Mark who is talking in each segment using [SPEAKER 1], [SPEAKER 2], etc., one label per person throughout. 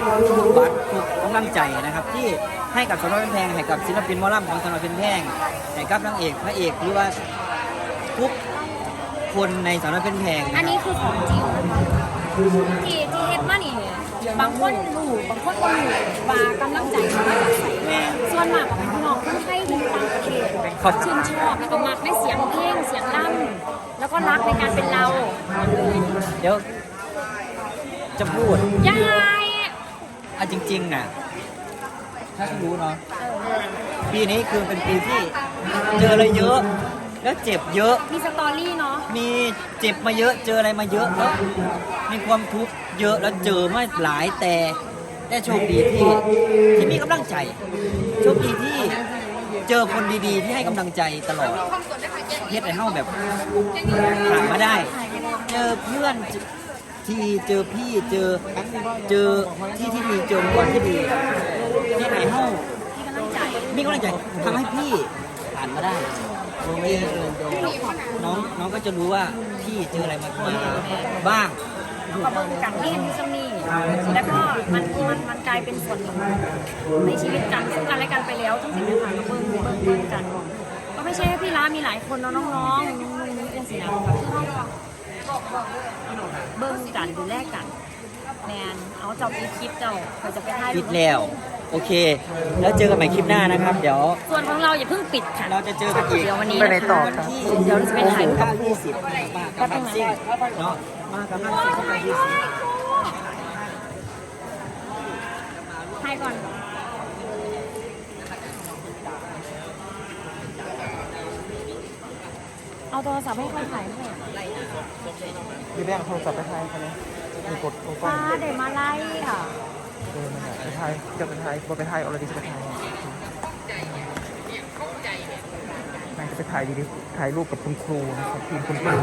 [SPEAKER 1] บัตรทุกกำลังใจนะครับที่ให้กับสนเป็นแพงให้กับศิลปินหมอลำของสนเป็นแพงให้กับนางเอกพระเอกหรือว่าทุกคนในสนเป็นแพง
[SPEAKER 2] อันนี้คือของจริงที่เฮ็ดมานี่บางคนรู้บางคนก็รู้ว่ากำลังใจมาจากไหนส่วนมากก็เป็นพี่น้องคนไทยที่อยู่ต่างประเทศชื่นชอบแล้วก็มักในเสียงเพลงเสียงล่ำแล้วก็รักในการเป็นเรา
[SPEAKER 1] เดี๋ยวจะพูด
[SPEAKER 2] ยาย
[SPEAKER 1] จริงๆน่ะถ้าคุณรู้เนาะปีนี้คือเป็นปีที่เจออะไรเยอะแล้วเจ็บเยอะ
[SPEAKER 2] มีสตอรี่เนาะ
[SPEAKER 1] มีเจ็บมาเยอะเจออะไรมาเยอะแล้วมีความทุกข์เยอะแล้วเจอมาหลายแต่ได้โชคดีที่มีกำลังใจโชคดีที่เจอคนดีๆที่ให้กำลังใจตลอดเฮ็ดให้เฮาแบบผ่านมาได้เจอเพื่อนที่เจอพี่เจอที่ดีเจอคนที่ดีที่ไหนเฮามีกำลังใจทำให้พี่ผ่านมาได้น้องก็จะรู้ว่าพี่เจออะไรมาบ้าง
[SPEAKER 2] ก็เบิ่งกันที่กันที่สมีแล้วก็มันกลายเป็นส่วนหนึ่งในชีวิตกันซึ่งกันและกันไปแล้วทั้งสิ่งต่างๆก็เบิ่งกันก็ไม่ใช่แค่พี่ร้ามีหลายคนน้องๆนี่สินะคือเบิ่งกันดูแลกันแมนเอาเจ้าปีคลิปเจ้าเขาจะไปถ่าย
[SPEAKER 1] ปิดแล้วโอเคแล้วเจอกันใหม่คลิปหน้านะครับเดี๋ยว
[SPEAKER 2] ส่วนของเราอย่าเพิ่งปิดค่ะ
[SPEAKER 1] เราจะเจอกันอีก
[SPEAKER 2] เดี๋ยววันนี้
[SPEAKER 1] นะคะวันที่
[SPEAKER 2] เดี๋ยวจะไปถ่าย
[SPEAKER 1] กับ20มากับนักซิ่งเนาะมากับนักซิ่งกับ20
[SPEAKER 2] ถ่ายก่อนเอาโทรศัพท์ให้เขาถ่ายให้
[SPEAKER 3] พี่แบงค์โทรศัพท์ไปไทยกันเลยมีกดโอ้
[SPEAKER 2] ฟ้าเดี๋ยวมาไล่อ่ะ
[SPEAKER 3] ไปไทยจะไปไทยบอไปไทยเอาอะไรดีจะไปไทยนายจะไปถ่ายดีถ่ายรูปกับคุณครูนะครับทีมคุณครู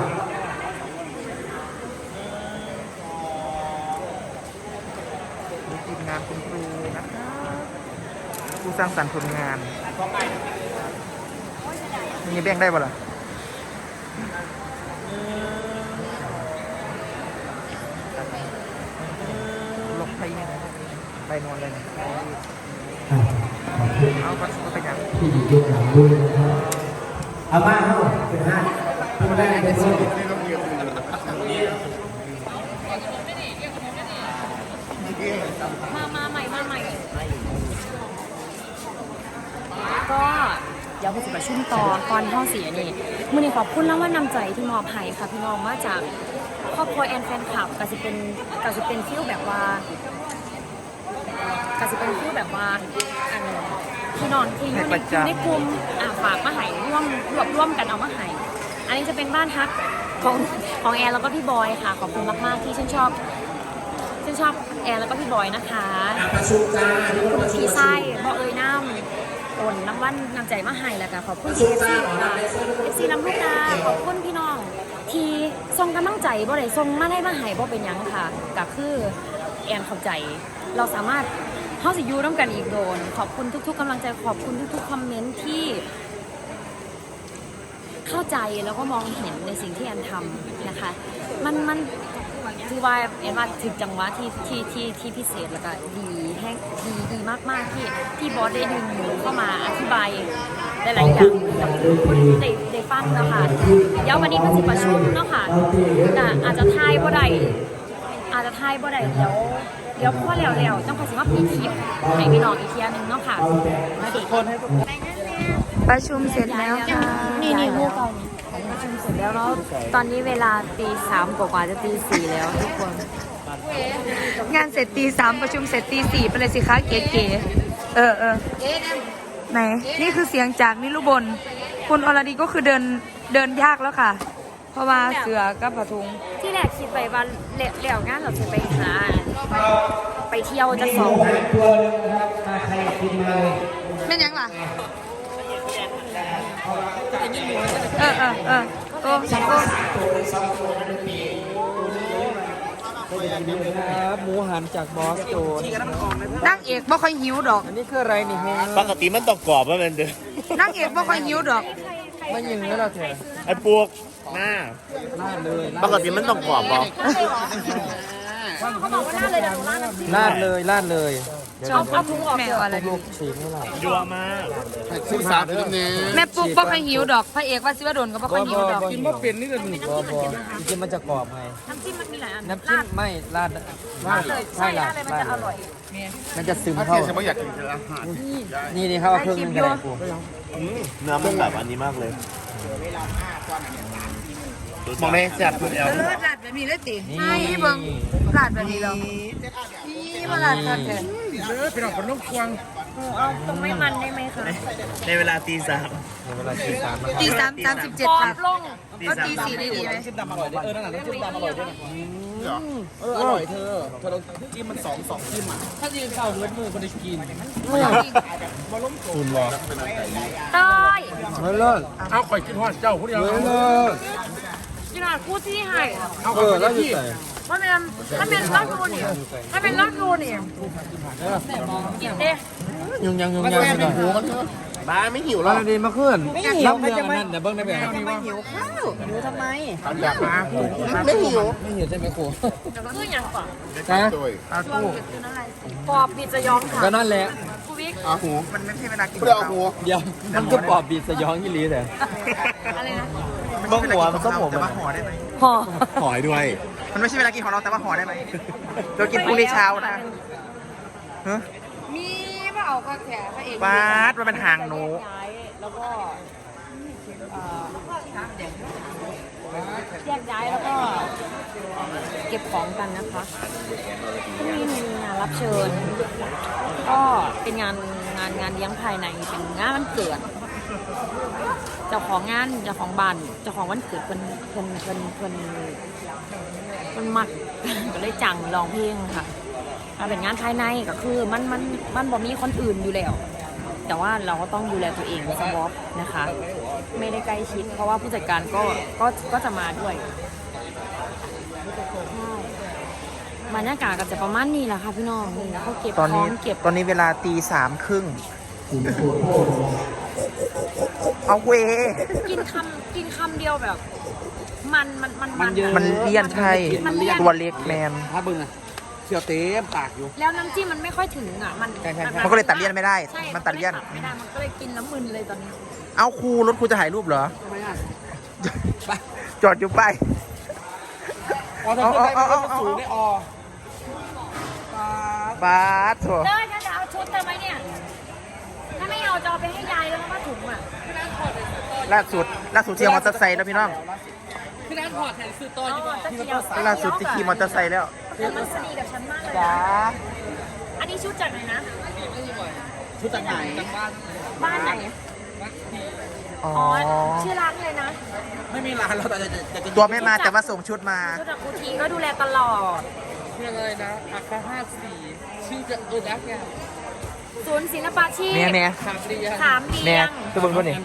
[SPEAKER 3] ทีมงานคุณครูนะครับผู้สร้างสรรค์ผลงานนี่แบ่งได้ป่ะล่ะลบไปเนี่ยไปนอนเลยเอาไปยัง
[SPEAKER 4] ที่อยู่เบื้องหลังด้วยนะครับเอาบ้านเข้าเป็นห้าทำได้เป็นโซ่
[SPEAKER 2] มาใหม่ก็เดี๋ยวไปประชุมต่อตอนห้องเสียนี่มื้อนี้ขอบคุณแล้วว่านำใจที่มอบให้ค่ะพี่น้องมาจากครอบครัวแอนแฟนคลับก็จะเป็นฟิลแบบว่าก็จะเป็นฟิลแบบว่าพี่น้องที่อยู่ในกลุ่มฝากมาให้ร่วมกันเอามาให้อันนี้จะเป็นบ้านฮักของแอนแล้วก็พี่บอยค่ะขอบคุณมากๆที่ชื่นชอบแอนแล้วก็พี่บอยนะคะคุณชีไส้บอกน้ำโอนรางวัลนำใจมาให้แล้วก็ขอบคุณที่FC ลำลูกกาขอบคุณพี่น้องที่ส่งกำลังใจบ่ได้ส่งมาได้มาให้บ่เป็นหยังค่ะก็คือแอนเข้าใจเราสามารถเฮาสิอยู่ร่วมกันอีกโดนขอบคุณทุกๆกำลังใจขอบคุณทุกๆคอมเมนต์ที่เข้าใจแล้วก็มองเห็นในสิ่งที่แอนทำนะคะมันคือว่าแอนว่าถึงจังหวะที่พิเศษแล้วก็ดีมากๆที่บอสได้ดึงหนูเข้ามาอธิบายหลายๆอย่างกับคนที่ได้ฟังนะคะเดี๋ยววันนี้ก็สิประชุมเนาะค่ะอาจจะทายบ่ได้เดี๋ยวพ่อแล้วต้องขอสิว่าปีคลิปให้พี่น้องอีกเทียนึงเนาะค่ะทุกคน
[SPEAKER 5] ประชุมเสร็จแล้วค่ะ
[SPEAKER 2] นี่ลูกตอนประชุมเสร็จแล้วเนาะตอนนี้เวลาตี 3กว่าจะตี 4แล้วทุกคน
[SPEAKER 5] งานเสร็จตี 3ประชุมเสร็จตี 4ไปเลยสิคะเก๋ๆไหนนี่คือเสียงจากนิรุบลคุณอรดีก็คือเดินยากแล้วค่ะเพราะว่าเสือกับผ้าถุง
[SPEAKER 2] ที่แรกคิดไปว่าเหลี่ยวงานเราจะไปหาไปเที่ยวจะสอง
[SPEAKER 5] ไม่ยังล่ะโก้
[SPEAKER 3] หมูหันจากบอสโจ
[SPEAKER 5] นั่งเอกบ่ค่อยหิวดอก
[SPEAKER 3] อันนี้คืออะไรนี่ฮะ
[SPEAKER 6] ปกติมันต้องกรอบว่ามันเด้อ
[SPEAKER 5] นั่งเอกบ่ค่อยหิวดอก
[SPEAKER 3] ไม่ยิงแล้วเราเถอะ
[SPEAKER 6] ไอ้ปวกหน้า
[SPEAKER 3] เลย
[SPEAKER 6] ปกติมันต้องกรอบป่ะ
[SPEAKER 2] เขาบอกว่าลาดเลยเดี๋ยวหนูลาดน้ำจิ้ม
[SPEAKER 3] ลาดเลยลาดเลย
[SPEAKER 2] เอาถุงออก
[SPEAKER 5] แม่
[SPEAKER 2] เถ
[SPEAKER 5] เอา
[SPEAKER 2] อะ
[SPEAKER 5] อะไรดี
[SPEAKER 3] ฉีกไม่หรอก
[SPEAKER 6] ยัวมาก
[SPEAKER 4] ซึ่งสามเป็นนี้
[SPEAKER 5] แม่ปุ๊กบ่ค่อยหิวดอกพระเอกว่าสิว่าโดนก็บ่ค่อยหิวดอก
[SPEAKER 3] กินบ่เป็นนี่เลย
[SPEAKER 2] เป็นน้ำจิ้มเหมือนกันนะคะ
[SPEAKER 3] จริงๆมันจะกรอบไง
[SPEAKER 2] น้ำจิ้มมันมีหลายอัน
[SPEAKER 3] น้ำจิ้มไม่ลาด
[SPEAKER 2] ลาดเลยใช่ลาดเลยมันจะอร่อย
[SPEAKER 3] มันจะซึม
[SPEAKER 4] ถ้า
[SPEAKER 3] เข้า
[SPEAKER 4] เทียนฉันไม่อยากกินอาหาร
[SPEAKER 3] นี่เขาเอาเครื่องนึงกันกู
[SPEAKER 6] เนื้อมันแบบอันนี้มากเลย
[SPEAKER 4] มองในแซ่บคุณแอล
[SPEAKER 5] ลาดแบบนี้เลยตินี่เบิ่งลาดแบบนี้แล้วนี่มาลาดกันแท้
[SPEAKER 4] พี่น้องคนนุ่มควง
[SPEAKER 2] เอาตรงไม่มันได้ไหมคะ
[SPEAKER 6] ในเวลาตีสาม
[SPEAKER 3] ในเวลาตีสาม
[SPEAKER 5] ตี3:37
[SPEAKER 2] กรอ
[SPEAKER 5] ค่ะ
[SPEAKER 2] บลง
[SPEAKER 5] ก็ตี4ได้ดีไหม
[SPEAKER 3] จิ้มดำอร่อยด้วยนั่นแหละน้ำจิ้มดำอร่อยด้วยอร่อยเธอเราจิ้มมันสองจิ้มอ่ะถ้ายืนเข้าเลือดมือคนได้กินคุณหรอ
[SPEAKER 2] เต้ย
[SPEAKER 3] ไม่เลิศ
[SPEAKER 4] เอาข่อยกินฮอดเจ้าผู้เดียว
[SPEAKER 3] ไม่เลิศ
[SPEAKER 2] ขนาดคู่ที่ให้
[SPEAKER 3] แล้วอยู่ใส่
[SPEAKER 2] ถ้าเป็นลาดโรนี่ถ้าเป็นลาดโรนี่กินเด้
[SPEAKER 3] ยุงยัง
[SPEAKER 4] แซ่บเป็นหูกันเถอะบ้าไม่หิวหร
[SPEAKER 3] ร้า
[SPEAKER 4] อน ก
[SPEAKER 3] ดีมาขึ้นรับเรื่องนั้นเดี๋ยวเบิ้งได้ไหม
[SPEAKER 1] ไม่หิวข้าวหิวทำไม
[SPEAKER 4] อยากมาไม่หิว
[SPEAKER 3] ไม่หิวใช่ไหมครู
[SPEAKER 2] คืออย่างก่อน
[SPEAKER 3] นะ
[SPEAKER 2] ช่วงคืออะไรกรอบปีจะย้อมค่ะ
[SPEAKER 3] ก็นั่นแหละ
[SPEAKER 2] กูวิก
[SPEAKER 4] อาหู
[SPEAKER 1] มันไม่ใช่เวลากิน
[SPEAKER 4] เพื่อเอาหู
[SPEAKER 3] เดี๋ยวมันก็ปอบบีดสยองยี่ลีแต่
[SPEAKER 2] อะไรนะ
[SPEAKER 3] บ้องหัวมันก็ผม
[SPEAKER 1] แต่ว่าห่อได้ไหม
[SPEAKER 2] ห่อ
[SPEAKER 3] หอยด้วย
[SPEAKER 1] มันไม่ใช่เวลากินของเราแต่ว่าห่อได้ไหมเรากินพรุ่งนี้เช้านะ
[SPEAKER 5] มีบ่เอาก็แท้พระเอก
[SPEAKER 1] บาสมันเป็นหางหนู
[SPEAKER 2] แล้วก็แยกย้ายแล้วก็เก็บของกันนะคะพรุ่งนี้มีงานรับเชิญ ก็เป็นงานเลี้ยงภายในเป็นงานวันเกิด เจ้าของงานเจ้าของบ้านเจ้าของวันเกิดเพิ่นมัก ก็เลยจังร้องเพลงค่ะเป็นงานภายในก็คือมันบ่มีคนอื่นอยู่แล้ว แต่ว่าเราก็ต้องดูแลตัวเองสวอปนะคะ ไม่ได้ใกล้ชิด เพราะว่าผู้จัดการก็จะมาด้วยใช่บรรยากาศก็จะประมาณนี้แหละค่ะพี่น้องนี่นะเขาเก็บของเก็บ
[SPEAKER 1] ตอนนี้เวลาตีสามครึ่งเอาเว
[SPEAKER 2] กินคำเดียวแบบ มัน
[SPEAKER 1] มันเลี่ยนใช่ตัวเล็กแมน
[SPEAKER 3] ถ้าบึ้งอ่ะเชียวเต็มปากอยู่
[SPEAKER 2] แล้วน้ำจิ้มมันไม่ค่อยถึงอ่ะมัน
[SPEAKER 1] มันก็เลยตัดเลี่ยนไม่ได้
[SPEAKER 2] ใช่
[SPEAKER 1] มันตัดเลี่ยน
[SPEAKER 2] ไม่ได้มันก็เลยกินแล้วมึนเลยตอนนี้
[SPEAKER 1] เอาครูรถครูจะถ่ายรูปเหรอ
[SPEAKER 3] ทำไมอ่ะ
[SPEAKER 1] จอดอยู่ไป
[SPEAKER 3] อ๋อถ้าขึ้นไปมันก็สูงได้อ
[SPEAKER 1] บาสโถ
[SPEAKER 2] เต้ยถ้าจะเอาชุดเธอไหมเนี่ย ถ้าไม่เอาจะเอาไปให้ยายแล้วก็ผ้าถุงอ่ะ
[SPEAKER 1] ล่าสุดเที่ยวมอเตอร์ไซค์แล้วพี่น้อง
[SPEAKER 3] พี่นัทพอดแทนซื้อต่ออยู่
[SPEAKER 1] ล่าสุดที่ขี่มอเตอร์ไซค์แล้ว
[SPEAKER 2] แล้วมันสนิทกับฉันมากเลย
[SPEAKER 1] จ้า
[SPEAKER 2] อันนี้ชุดจากไหนนะ
[SPEAKER 3] ชุดจากไหน
[SPEAKER 2] บ้านไหน
[SPEAKER 1] อ๋อ
[SPEAKER 2] อ๋อ ชื่อร้านเลยนะ
[SPEAKER 3] ไม่มีร้านเราแต่จะ
[SPEAKER 1] ตัวไม่มาแต่ว่าส่งชุดมา
[SPEAKER 2] ชุดจากกูทีก็ดูแลตลอด
[SPEAKER 3] ชื่ออะไรนะอาคา54ชื่อจะรักแก
[SPEAKER 2] ศูนย์ศิลปาชีพ
[SPEAKER 1] เนี่ย
[SPEAKER 3] ขาเรีย
[SPEAKER 2] ขามเรี
[SPEAKER 1] เนี่ย ย
[SPEAKER 2] ง
[SPEAKER 1] ตัวเบิ้งตัวนี้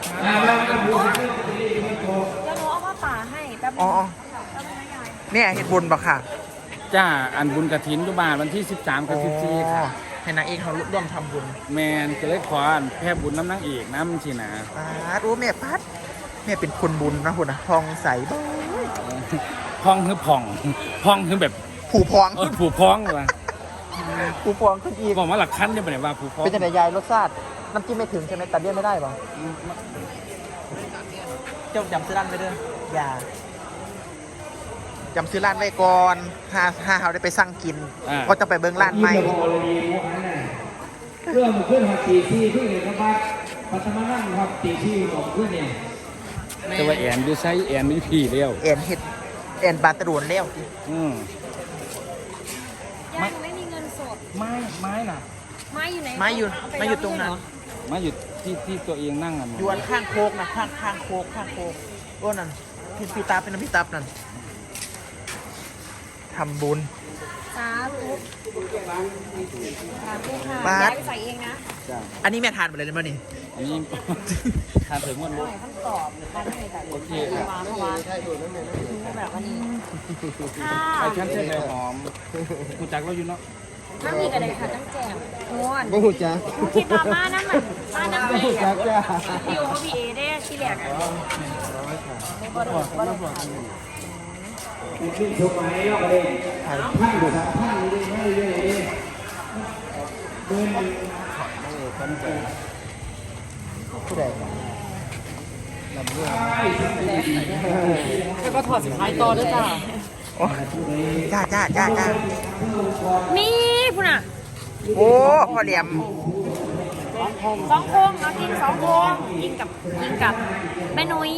[SPEAKER 2] แล้วหนูเอาผ้าป่าให้แป๊บนึ
[SPEAKER 1] อ๋อง
[SPEAKER 2] แป๊บนึงนะยาย
[SPEAKER 1] เนี่ยเห็ดบุญปะค่ะ
[SPEAKER 7] จ้าอันบุญกระถินยุบาลวันที่ 13 กับ 14 ค่ะ
[SPEAKER 1] ให้นางเอกเขาร่วมทำบุญ
[SPEAKER 7] แมนก็เลยขออันแพ่บุญน้ำนางเอกน้ำสินะ
[SPEAKER 1] ปาดโอ้แม่พัดแม่เป็นคนบุญนะคุณนะทองใสบ้าง
[SPEAKER 7] พองคือผ่องพองคือแบบ
[SPEAKER 1] ผูพอง
[SPEAKER 7] ผูพองว่ะ
[SPEAKER 1] ผูพองขึ้นอีก
[SPEAKER 7] บอกว่าหลักขั้นเนี่ยเป็นว่าผูพอง
[SPEAKER 1] เป็นจังไดยายรสชาติน้ำจิ้มไม่ถึงใช่ไหมตัดเลี่ยนไม่ได้ป่ะเจ้าจำซื้อร้านไปเด้ออย่าจำซื้อร้านไว้ก่อนถ้าเขาได้ไปสั่งกิน ก็จะไปเบิ้งร้านใหม่
[SPEAKER 8] เรื่องขึ้นหักตีซี่ที่เห็นนะครับปัตมานั่งครับตีซี่ของขึ้นเนี่ย
[SPEAKER 7] แต่ว่าแอนดูไซแอนไม่พี่เลี้ยว
[SPEAKER 1] แอนเห็ดแอนบาตะโดนแล้ว
[SPEAKER 7] อืม
[SPEAKER 2] ยายหนูไม่มีเงินสด
[SPEAKER 3] ไม้น่ะ
[SPEAKER 2] ไม้อยู่ไหน
[SPEAKER 1] ไม้อยู่
[SPEAKER 2] เอาป
[SPEAKER 1] ไม้อยู่ตรงนั้น
[SPEAKER 7] มาอยู่ที่ตัวเองนั่งกัน
[SPEAKER 1] ยวนข้างโคกนะข้างโคกโอ้นั่นพี่ตาเป็นน้ำพี่ตับนั่นทำบุญ
[SPEAKER 2] สาธุสาธุค่ะ
[SPEAKER 1] บาส
[SPEAKER 2] ยายไปใส่เองนะ
[SPEAKER 1] อันนี้แม่ทานไปเลยได้ไหมนี่
[SPEAKER 7] อันนี้ ทานถึงวัน
[SPEAKER 2] ห
[SPEAKER 7] นี้
[SPEAKER 2] น่อยคำตอบหรือการให้แต่
[SPEAKER 7] โอเค
[SPEAKER 2] มาเพราะว่าแบบวันนี้ค่ะ
[SPEAKER 7] ไอ้ชั้นเส้นใบหอมกูจักเราอยู่เนาะ
[SPEAKER 2] น้ำมีอะไรค่ะตั้งแจ่มม้วน
[SPEAKER 3] บ่หูจ้า
[SPEAKER 2] คิดว่ามาน้ำมันมาน้ำพี่
[SPEAKER 3] จักจ้า
[SPEAKER 2] อยู่เขาพี่เอได้ที่แรกอะ
[SPEAKER 8] ขึ้นชมไหมรอบประเด็นท่านดูครับท่านดูให้เยอะเลยเดิน
[SPEAKER 3] แล้วก็ถอดสุดท้ายต่อด้วยจ้า
[SPEAKER 2] มีพุ่นอ่ะ
[SPEAKER 9] โอ้พอเหลี่ยม
[SPEAKER 2] สองโคงเรากินสองโคงกินกับแม่นุ้ย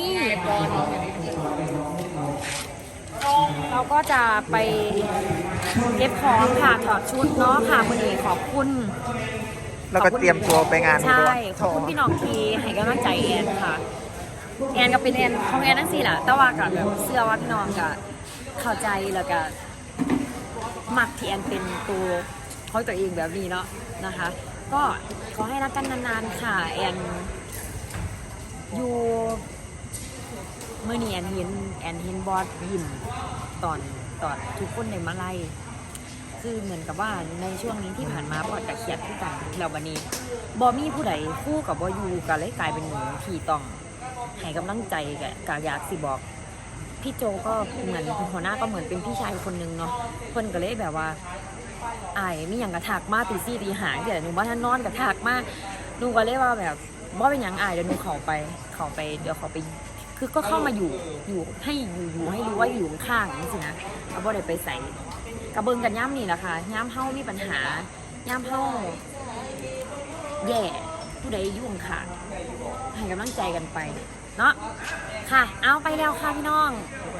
[SPEAKER 2] เราก็จะไปเก็บของค่ะถอดชุดเนาะค่ะวันนี้ขอบคุณ
[SPEAKER 9] แล้วก็เตรียมตัวไปงาน
[SPEAKER 2] ใช่ขอบคุณพี่น้องทีให้กำลังใจแอนค่ะแอนก็เป็นแอนของแอนทั้งสี่แหละแต่ว่ากับแบบเสื้อว่าพี่น้องก็เข้าใจแล้วก็มักที่แอนเป็นตัวเขาตัวเองแบบนี้เนาะนะคะ ก็ขอให้รักกันนานๆค่ะแอนอยู่เมื่อนี้แอนเห็นบอสยิ้มตอนทุกคนในมาไล่คือเหมือนกับว่าในช่วงนี้ที่ผ่านมาบอสกับเครียดคู่กันแล้ววันนี้บอมีผู้ใดคู่กับบอยูกันเลยกลายเป็นหนูที่ต้องให้กำลังใจกับอยากสิบอกพี่โจก็เหมือนหัวหน้าก็เหมือนเป็นพี่ชายคนนึงเนาะคนก็เลยแบบว่าไอ้มีอย่างกระถากมาตีซี่ตีหางเดี๋ยวหนูว่าท่านนอนกระถากมาหนูก็เลยว่าแบบว่าเป็นอย่างไอ้เดี๋ยวหนูเขาไปเดี๋ยวเขาไปคือก็เข้ามาอยู่ให้อยู่ให้รู้ว่าอยู่ข้างๆนี่สินะเอาบ่ได้ไปใส่กระเบิงกันย่ำนี่แหละค่ะย่ำเฮ้ามีปัญหาย่ำเฮ้าแย่ผู้ใดยุ่งค่ะให้กำลังใจกันไปเนาะค่ะเอาไปแล้วค่ะพี่น้อง